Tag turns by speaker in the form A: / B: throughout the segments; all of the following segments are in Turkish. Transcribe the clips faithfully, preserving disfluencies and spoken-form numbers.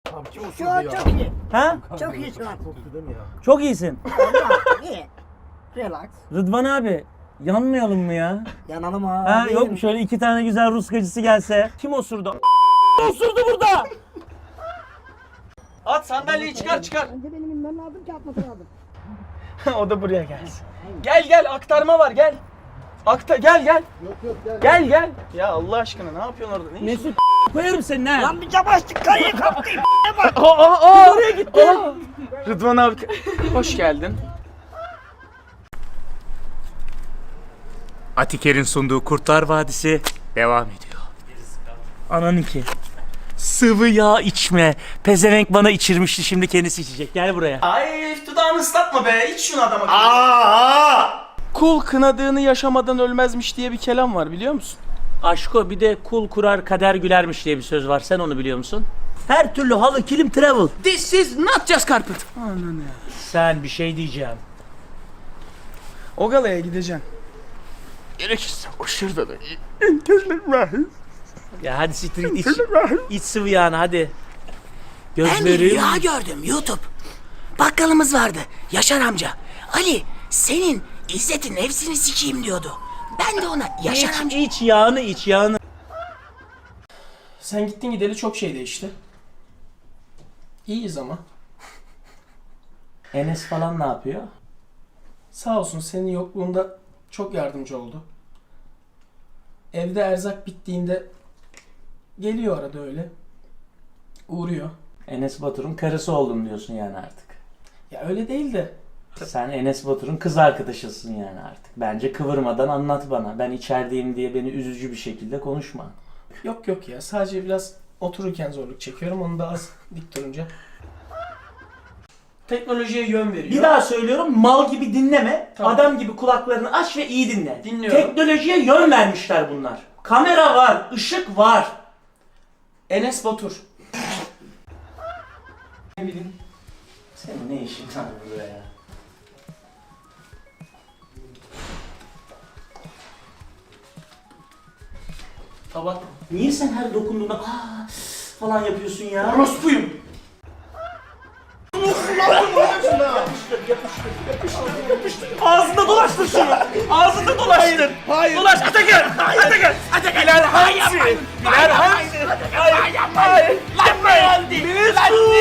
A: Abi kim
B: Şu an çok iyi.
C: Ha?
B: Çok iyi şu an.
A: osurdu değil mi ya?
C: Çok iyisin.
B: İyi. Relax.
C: Rıdvan abi yanmayalım mı ya?
B: Yanalım abi.
C: Ha yok mu şöyle iki tane güzel Rus gacısı gelse? Kim osurdu? Osurdu burada.
D: At sandalyeyi çıkar çıkar.
B: Önce benim inmem lazım ki atması lazım.
D: O da buraya gelsin. Gel gel aktarma var gel. Akta gel gel.
A: Yok yok gel.
D: Gel gel. Ya Allah aşkına ne yapıyorsun orada? Ne iş?
C: Mesut koyarım senin ha.
B: Lan bir cam açtık kayıyı kaptım.
D: Aa aa aa. Oraya gitti. Rıdvan abi hoş geldin.
E: Atiker'in sunduğu Kurtlar Vadisi devam ediyor.
C: Ananınki. Sıvı yağ içme. Pezevenk bana içirmişti, şimdi kendisi içecek. Gel buraya.
D: Ay dudağını ıslatma be. İç şunu adama. Aa! Kul kınadığını yaşamadan ölmezmiş diye bir kelam var biliyor musun?
C: Aşko, bir de kul kurar kader gülermiş diye bir söz var. Sen onu biliyor musun? Her türlü halı, kilim, travel.
D: This is not just carpet. Ananı.
C: Sen bir şey diyeceğim.
D: O galaya gideceksin.
E: Gerekirse o şurada da.
C: Ya hadi siktir git, iç. İç sıvı yağını hadi.
F: Ben bir
C: Gözlerim.
F: rüya gördüm YouTube. Bakkalımız vardı. Yaşar amca. Ali senin İzzet'in nefsini sikeyim diyordu. Ben de ona Yaşar
C: İç,
F: amca.
C: iç yağını, iç yağını.
D: Sen gittin gideli çok şey değişti. İyiyiz ama.
C: Enes falan ne yapıyor?
D: Sağ olsun senin yokluğunda çok yardımcı oldu. Evde erzak bittiğinde geliyor arada öyle. Uğruyor.
C: Enes Batur'un karısı oldum diyorsun yani artık.
D: Ya öyle değil de.
C: Sen Enes Batur'un kız arkadaşısın yani artık. Bence kıvırmadan anlat bana. Ben içerideyim diye beni üzücü bir şekilde konuşma.
D: Yok yok ya sadece biraz otururken zorluk çekiyorum. Onu da az dik durunca. Teknolojiye yön veriyor.
C: Bir daha söylüyorum, mal gibi dinleme.
D: Tamam.
C: Adam gibi kulaklarını aç ve iyi dinle.
D: Dinliyorum.
C: Teknolojiye yön vermişler bunlar. Kamera var, ışık var.
D: Enes Batur.
C: Ne bileyim. Senin ne işin var burada ya?
D: Tabak.
C: Niye sen her dokunduğunda aa falan yapıyorsun ya?
D: Orospuyum.
C: Ağzında dolaştır şunu. Ağzında dolaştır.
D: Hayır.
C: Dolaş Atakan. Atakan. Atakan. Bilal Hansi. Bilal Hansi. Hayır. Hayır. Yapma ya. Mesut.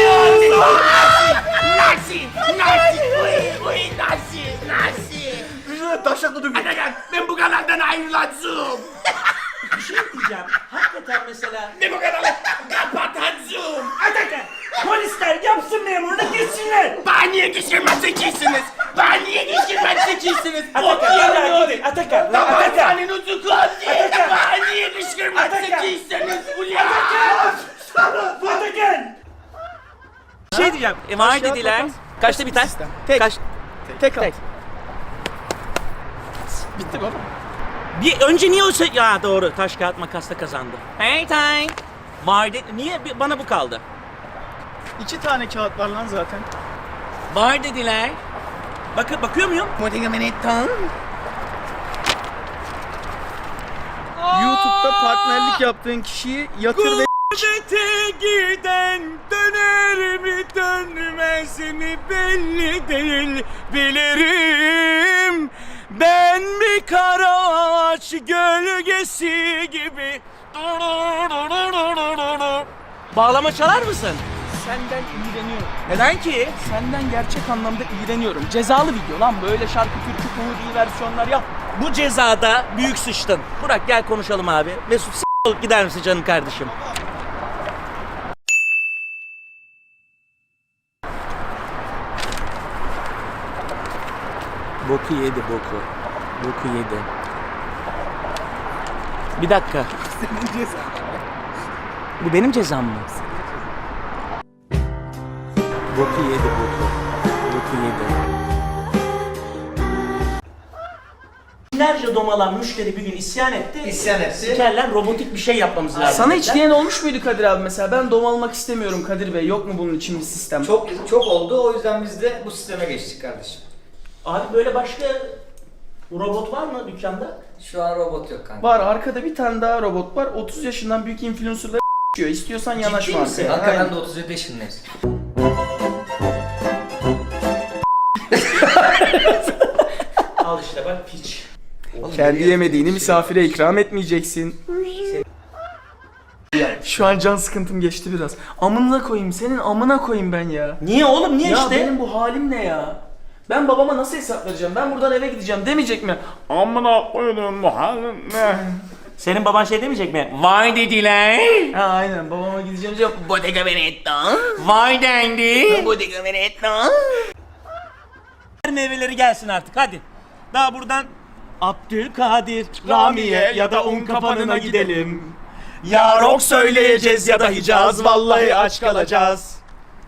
F: Nasi! Nasi! Uy! Uy! Nasi! Nasi!
C: Taşaklı dövüyor.
F: Atakan ben bu kanaldan ayrılacağım.
C: Bir şey diyeceğim. Hakikaten mesela.
F: Ben bu kanalı kapatacağım.
C: Atakan. Polisler yapsın memurunu gitsinler.
F: Bana niye geçirmez zekisiniz? Bana niye geçirmez zekisiniz?
C: Atakan. Atakan. Gidin. Atakan. Atakan.
F: Senin ucu kaldı. Bana niye geçirmez zekisiniz? Ulan!
C: Atakan. Bir şey diyeceğim. E, var dediler. Kaçta biter?
D: Tek.
C: Kaç?
D: Tek at.
C: Tek.
D: Bitti baba.
C: Bir önce niye o şey... Ya doğru. Taş kağıt makasla kazandı. Hey time. Var dedi. Niye bir- bana bu kaldı?
D: İki tane kağıt var lan zaten.
C: Var dediler. Bakın bakıyor muyum?
D: YouTube'da partnerlik yaptığın kişiyi yatır ve
C: Gurbete giden döner mi dönmez mi belli değil bilirim. Ben bir kara ağaç gölgesi gibi. Bağlama çalar mısın?
D: senden iğreniyorum.
C: Neden ki?
D: Senden gerçek anlamda iğreniyorum. Cezalı video lan böyle şarkı türkü komedi versiyonlar yap.
C: Bu cezada büyük sıçtın. Burak gel konuşalım abi. Mesut s*** olup gider misin canım kardeşim? Boku yedi boku. Boku yedi. Bir dakika.
D: Senin cezan.
C: Bu benim cezam mı? Boku yedi boku. Boku yedi. Binlerce domalan müşteri bir gün isyan etti.
A: İsyan etti.
C: Sikerler, robotik bir şey yapmamız lazım.
D: Sana hiç
C: dediler.
D: diyen olmuş muydu Kadir abi mesela? Ben domalmak istemiyorum Kadir Bey. Yok mu bunun için bir sistem?
A: Çok çok oldu, o yüzden biz de bu sisteme geçtik kardeşim.
C: Abi böyle başka robot var mı dükkanda?
A: Şu an robot yok kanka.
D: Var arkada bir tane daha robot var. otuz yaşından büyük influencerları İstiyorsan yanaşma
A: misin?
D: arkaya.
A: Kanka
D: Aynen.
A: ben de otuz yedi yaşındayım.
C: Al işte bak piç.
D: Kendi yemediğini misafire ikram etmeyeceksin. Şu an can sıkıntım geçti biraz. Amına koyayım, senin amına koyayım ben ya.
C: Niye oğlum niye
D: Ya
C: işte?
D: benim bu halim ne ya? Ben babama nasıl hesap vereceğim? Ben buradan eve gideceğim demeyecek mi? Amına koydum bu halim ne?
C: Senin baban şey demeyecek mi? Vay dediler.
D: Ha aynen, babama gideceğim diyeceğim.
F: Bottega Veneta.
C: Vay dendi.
F: Bottega Veneta.
C: Meyveleri gelsin artık hadi. Daha buradan Abdülkadir, Ramiye ya da un kapanına gidelim. Ya rock söyleyeceğiz ya da Hicaz, vallahi aç kalacağız.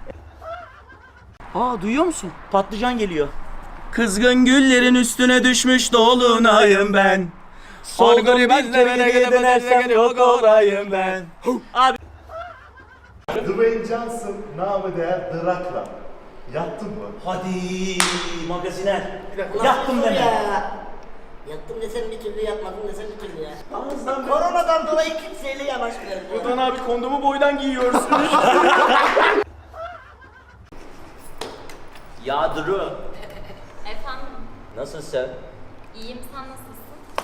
D: Aa, duyuyor musun?
C: Patlıcan geliyor.
D: Kızgın güllerin üstüne düşmüş dolunayım ben.
C: Solgun bizlere dönersem yok olayım ben. Abi
G: Dwayne Johnson namı değer Drakla. Yattın mı?
C: hadi magaziner. Yaktım deme.
B: Ya. Yattım desem bir türlü, yatmadım desem bir türlü ya. Koronadan dolayı kimseyle yanaşmıyorum.
D: Buradan abi kondomu boydan giyiyoruz.
C: Ya Duru,
H: Efendim,
C: nasılsın?
H: iyiyim, sen nasılsın?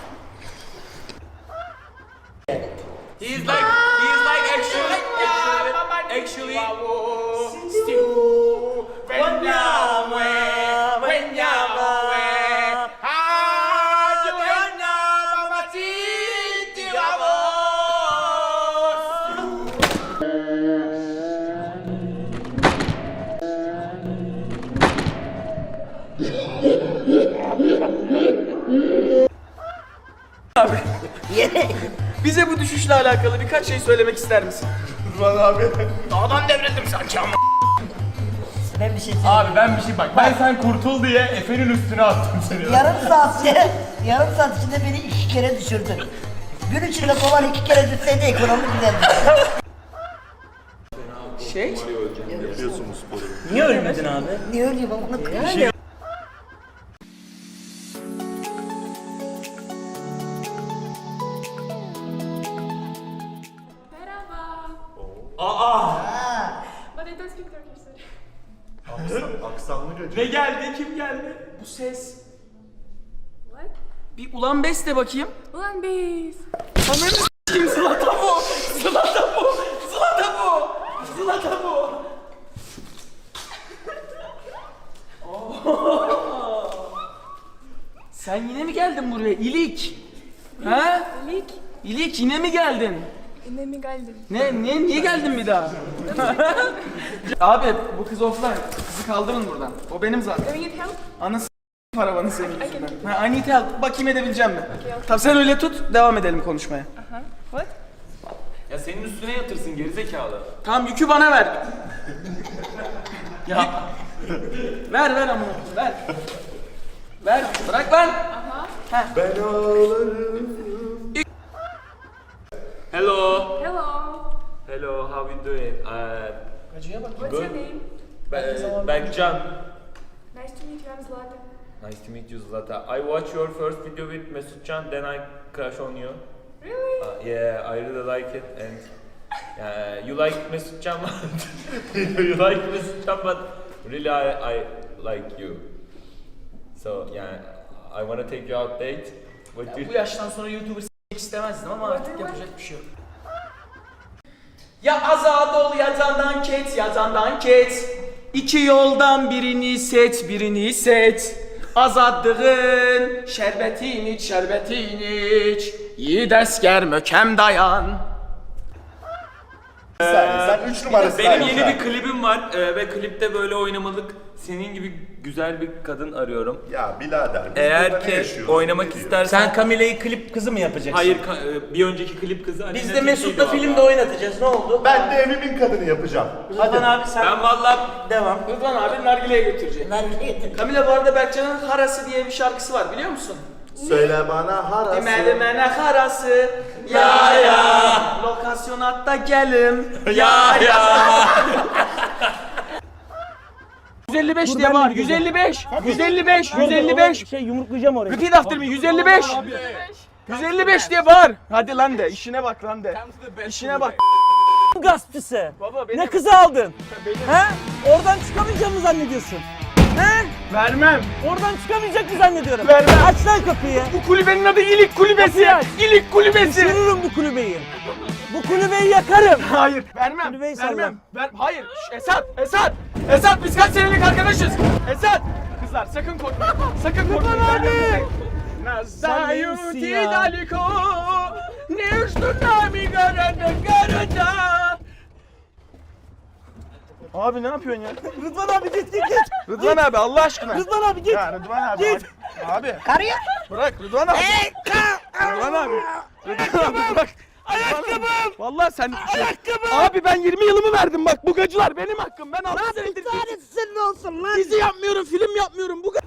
E: He's like, he's like actually, actually, actually, still, when you're away, when you're away, how do you know, Mama, see, you
D: Bize bu düşüşle alakalı birkaç şey söylemek ister misin?
G: Rıdvan abi.
F: Dağdan devrildim sanki ama.
B: Ben bir şey söyleyeyim.
E: Abi ben bir şey bak, ben sen kurtul diye Efe'nin üstüne attım seni.
B: Yarım saat içinde, yarım saat içinde beni iki kere düşürdün. Gün içinde dolar iki kere düşseydi ekonomi güzeldi.
D: Şey?
C: Niye ölmedin abi?
B: Niye ölüyorum amına koyayım?
H: Merhaba.
C: Aa!
H: But I don't speak Turkish, sorry.
G: Aksan, aksanlı gacı.
D: Ne geldi? Kim geldi? Bu ses.
H: What?
D: Bir ulan beste bakayım.
H: Ulan biz.
D: Ananı s**eyim, Zlatan bu! Zlatan bu! Zlatan bu! Zlatan bu! Oo. Sen yine mi geldin buraya İlik? Ha?
H: İlik.
D: İlik yine mi geldin?
H: Ne mi geldin?
D: Ne, ne, niye geldin bir daha? Abi bu kız offline. Kızı kaldırın buradan. O benim zaten.
H: Do you need help?
D: Anası paravanı senin
H: I
D: yüzünden.
H: can-
D: Ha, I need help. Bakayım edebileceğim mi?
H: Okay, okay.
D: Tamam sen öyle tut, devam edelim konuşmaya.
H: Uh-huh. What?
E: Ya senin üstüne yatırsın gerizekalı.
D: Tamam yükü bana ver. Ya. ver ver amına ver. Ver. Bırak lan.
G: Ben ağlarım.
E: Hello.
H: Hello.
E: Hello, how you doing? Uh,
H: What's your name?
E: Be- Berkcan.
H: Nice to meet you, I'm Zlata.
E: Nice to meet you, Zlata. I watched your first video with Mesutcan, then I crush on you.
H: Really?
E: Uh, yeah, I really like it, and uh, you like Mesutcan, you like Mesutcan, but really I, I like you. So yeah, I wanna take you out date. What do
D: Bu
E: you?
D: yaştan sonra YouTuber s**mek istemezdim ama artık yapacak bir şey yok. Ya azad ol ya candan ket, ya candan ket. İki yoldan birini seç, birini seç. Azadlığın şerbetini iç, şerbetini iç. Yiğit esker mökem dayan.
G: Bir saniye, sen üç numarasın.
E: Benim
G: abi
E: yeni
G: sen.
E: bir klibim var e, ve klipte böyle oynamalık senin gibi güzel bir kadın arıyorum.
G: Ya birader. biz burada
E: Eğer
G: ne
E: ki
G: yaşıyoruz,
E: oynamak
G: ne diyoruz?
E: istersen...
C: Sen Camile'yi klip kızı mı yapacaksın?
E: Hayır, ka- e, bir önceki klip kızı Aleyna
C: Biz de
E: Tilki'ydi
C: Mesut'la
E: valla.
C: filmde oynatacağız. Ne oldu?
G: Ben de evimin kadını yapacağım.
C: Rıdvan abi sen
E: Ben valla
C: devam.
D: Rıdvan abi nargileye götürecek.
B: Nerede getirdim?
D: Kamila bu arada Berkcan'ın Harası diye bir şarkısı var biliyor musun?
G: Söyle bana harası.
D: Dimelimene harası ya ya. Lokasyon hatta gelim ya ya. yüz elli beş diye var. yüz elli beş. yüz elli beş. yüz elli beş.
C: Şey yumruklayacağım orayı.
D: Repeat after me. yüz elli beş. yüz elli beş diye var. Hadi lan de. İşine bak lan de. İşine bak.
I: gaspçısı.
D: Baba benim.
I: Ne kızı aldın?
D: Benim.
I: He? Oradan çıkamayacağını mı zannediyorsun? He?
D: Vermem.
I: Oradan çıkamayacak mı zannediyorum?
D: Vermem.
I: Aç lan kapıyı.
D: Bu kulübenin adı İlik Kulübesi.
I: Kapıyı aç.
D: İlik Kulübesi.
I: Düşürürüm bu kulübeyi. Bu kulübeyi yakarım.
D: Hayır. Vermem.
I: Kulübeyi salla.
D: Vermem. Ver. Hayır. Şş, Esat. Esat. Esat biz kaç senelik arkadaşız? Esat. Kızlar sakın korkmayın. Sakın korkmayın.
I: abi.
D: Nazda
I: neymişsin
D: yuti
I: ya?
D: daliko. Ne üstüne mi göründü göründü. Abi ne yapıyorsun ya?
I: Rıdvan abi git git git.
D: Rıdvan abi Allah aşkına.
I: Rıdvan abi git.
D: Ya Rıdvan abi.
I: Git.
D: Abi.
B: Karıya.
D: Bırak Rıdvan abi. Rıdvan abi. Rıdvan abi bırak.
I: Ayakkabım.
D: Vallahi sen
I: Ayakkabım.
D: Abi ben yirmi yılımı verdim bak bu gacılar benim hakkım. Ben altı senedir
B: Tanesi senin olsun lan.
D: dizi yapmıyorum, film yapmıyorum. Bu